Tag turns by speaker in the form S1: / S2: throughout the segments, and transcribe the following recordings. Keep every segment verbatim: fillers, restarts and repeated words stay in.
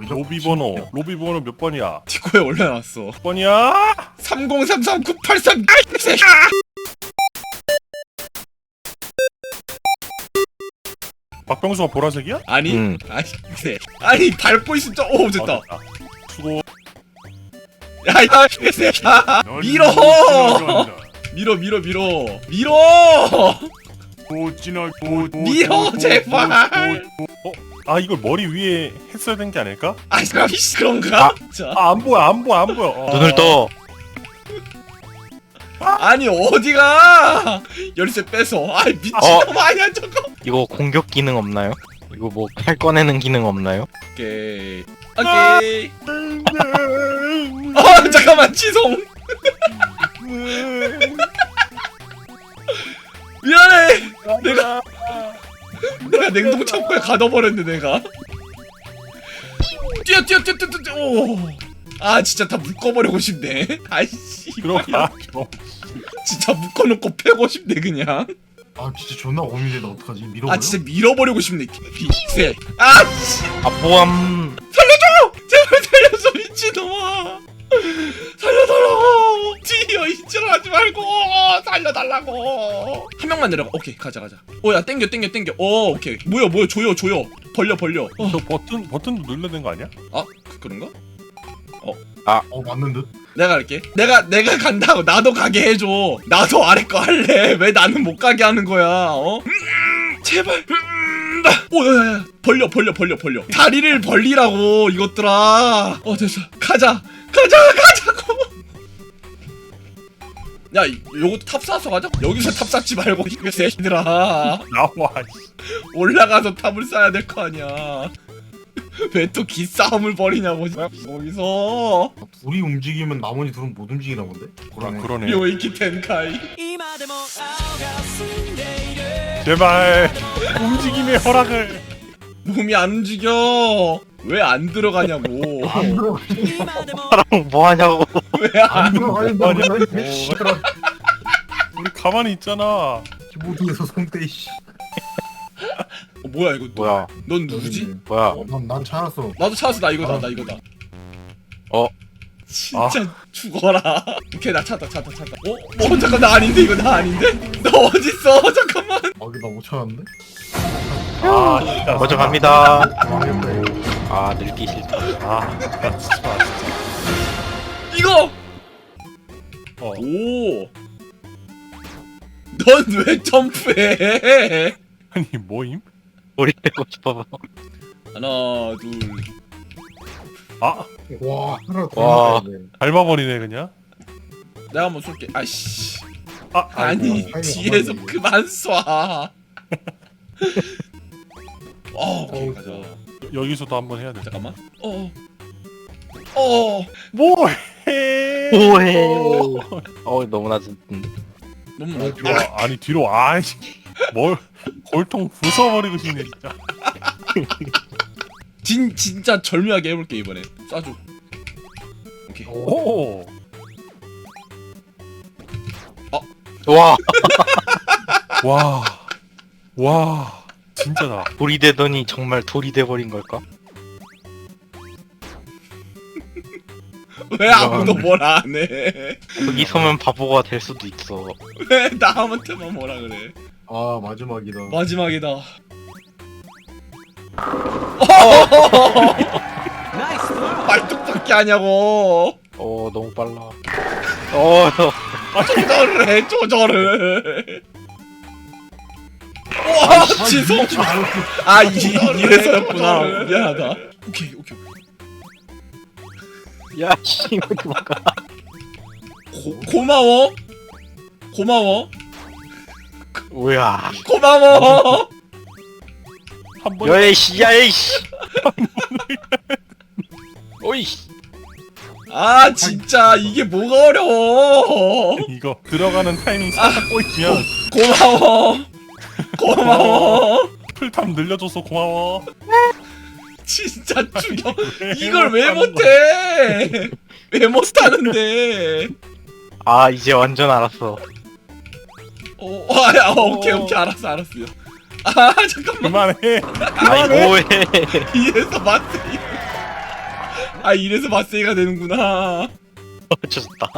S1: 로비 번호 로비 번호 몇 번이야?
S2: 디코에 올려놨어.
S1: 몇 번이야?
S2: 삼공삼삼 구팔삼.
S1: 박병수가 보라색이야?
S2: 아니
S3: 응.
S2: 아니 그래. 아니 밟고 있으면 좀- 오 됐다.
S1: 아, 됐다. 수고.
S2: 야야 개새야. 밀어 밀어 밀어 밀어 밀어
S1: 도진아
S2: 밀어 제발.
S1: 어? 아 이걸 머리 위에 했어야 된 게 아닐까?
S2: 아이 그런가?
S3: 아.
S2: 자
S1: 아 안 보여 안 보여 안 보여. 어.
S3: 눈을 떠.
S2: 아니 어디가? 열쇠 뺏어. 아이 미친놈 아니야 저거.
S3: 이거 공격 기능 없나요? 이거 뭐 칼 꺼내는 기능 없나요?
S2: 오케이 오케이. 아 잠깐만 지송. 미안해. 내가 내가 냉동 창고에 가둬버렸네 내가. 뛰어 뛰어 뛰어 뛰어 뛰어. 오. 아 진짜 다 묶어버리고 싶네. 아이씨.
S1: 들어가.
S2: 진짜 묶어놓고 패고 싶네 그냥.
S4: 아 진짜 존나 고민돼. 나 어떡하지? 밀어버려?
S2: 아 진짜 밀어버리고 싶네. 비세. 아씨.
S3: 아뽀함.
S2: 제발 살려줘 미친놈아. 살려달라고. 뒤어 이질하지 말고 살려달라고. 한 명만 내려가. 오케이 가자 가자. 오야 땡겨 땡겨 땡겨. 오 오케이. 뭐야 뭐야 조여 조여. 벌려 벌려. 어.
S1: 저 버튼 버튼도 눌러야 되는 거 아니야?
S2: 아 그, 그런가?
S4: 어 맞는 듯.
S2: 내가 갈게. 내가 내가 간다고 나도 가게 해줘. 나도 아래 거 할래. 왜 나는 못 가게 하는 거야? 어? 음, 제발. 음, 오야야야 벌려 벌려 벌려 벌려. 다리를 벌리라고 이것들아. 어 됐어. 가자 가자 가자고. 야 이- 요것도 탑 쌓아서 가자. 여기서 탑 쌓지 말고 이 새끼들아.
S1: 나와.
S2: 올라가서 탑을 쌓아야 될 거 아니야. 왜 또 기싸움을 벌이냐고 거기서.
S4: 아, 둘이 움직이면 나머지 둘은 못 움직이나 본데?
S1: 아,
S4: 그러네.
S1: 그러네.
S2: 요이키 텐카이.
S1: 제발 움직임의 허락을.
S2: 몸이 안 움직여. 왜 안 들어가냐고.
S4: 안 들어.
S3: 사람 뭐 하냐고.
S2: 왜 안?
S4: 안 들어가는데.
S1: 아니야.
S4: 뭐
S1: 우리 가만히 있잖아.
S4: 키보드에서 손대 씨.
S2: 어, 뭐야 이거?
S3: 뭐야?
S2: 넌 누구지?
S3: 뭐야?
S4: 난난 찾았어.
S2: 나도 찾았어. 나 이거다.
S4: 아.
S2: 나 이거다.
S3: 어?
S2: 진짜 죽어라. 오케이 나 찾았다. 찾았다. 찾았다. 어? 어 잠깐 나 아닌데 이거 나 아닌데? 나 어딨어? 잠깐만.
S4: 아 이거 나 못 찾았는데?
S1: 아 진짜.
S3: 먼저 갑니다.
S4: 망했다 이거.
S3: 아 늙기 싫다.
S1: 아 진짜 진짜.
S2: 이거.
S1: 어.
S2: 오. 넌 왜 점프해?
S1: 아니 뭐임?
S3: 머리 빼고 싶어서.
S2: 하나 둘.
S1: 아
S4: 와 하나 더
S3: 와.
S4: 남았네.
S1: 밟아버리네 그냥.
S2: 내가 한번 쏠게. 아이씨.
S1: 아
S2: 아니
S4: 아이고,
S2: 뒤에서
S4: 아이고.
S2: 그만 쏴. 어 오케이
S4: 어우,
S2: 가자.
S1: 여기서도 한번 해야 돼.
S2: 잠깐만. 어. 어.
S1: 뭐해?
S3: 오해. 어 너무 낮은데.
S2: 너무
S4: 어,
S2: 나.
S1: 뒤로 와. 아니 뒤로 와. 아이씨. 뭘 골통 부숴버리고 싶네 진짜.
S2: 진 진짜 절묘하게 해볼게 이번에. 쏴줘. 오케이.
S1: 오.
S3: 와
S1: 와. 와. 진짜다.
S3: 돌이 되더니 정말 돌이 돼버린 걸까?
S2: 왜 아무도 뭘 안 해?
S3: 여기 서면 바보가 될 수도 있어.
S2: 왜 나한테만 뭐라 그래?
S4: 아 마지막이다.
S2: 마지막이다. 말뚝밖에 하냐고.
S3: 어 너무 빨라. 어 너.
S2: 조절을 해 조절을. 와 지성. 아 이, 이래서였구나. 미안하다. 오케이 오케이.
S3: 야 씨 왜 도망가?
S2: 고, 고마워. 고마워.
S3: 뭐야?
S2: 고마워.
S1: 한 번.
S3: 야이씨 야이씨. 오이.
S2: 아 진짜 이게 뭐가 어려워.
S1: 이거 들어가는 타이밍 살짝 꼬이면
S2: 고마워. 고마워.
S1: 풀탐 늘려줘서 고마워.
S2: 진짜 죽여. 이걸 왜 못해? 왜 못하는데?
S3: 아 이제 완전 알았어.
S2: 어, 아, 야, 오케이 오케이 알았어 알았어요. 아 잠깐만
S1: 그만해.
S3: 아이 뭐해?
S2: 이에서 마트 아 이래서 마세이가 되는구나.
S3: 좋다.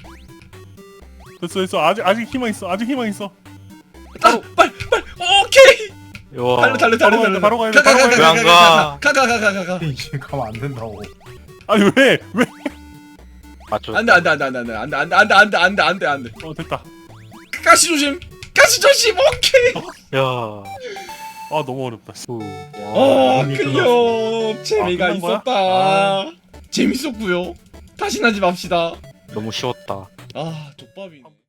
S1: 됐어 됐어 아직 아직 희망 있어 아직 희망 있어.
S2: 아 빨리 빨리 오케이.
S3: 와.
S2: 달려 달려 달려 달려.
S1: 바로 가야 돼, 바로 가야 돼,
S3: 바로 가야 돼.
S2: 가가가가가가가가가가.
S4: 이제 가면 안 된다고.
S1: 아니 왜 왜?
S3: 맞죠.
S2: 안돼 안돼 안돼 안돼 안돼 안돼 안돼 안돼 안돼 안돼 안돼 안돼.
S1: 어 됐다.
S2: 가시 조심. 가시 조심. 오케이.
S3: 야.
S1: 아 너무 어렵다.
S3: 후.
S2: 어
S4: 이미
S2: 클리어. 재미가
S1: 아, 끝난 거야?
S2: 있었다.
S1: 아.
S2: 재밌었고요. 다시 하지 맙시다.
S3: 너무 쉬웠다.
S2: 아 족밥이.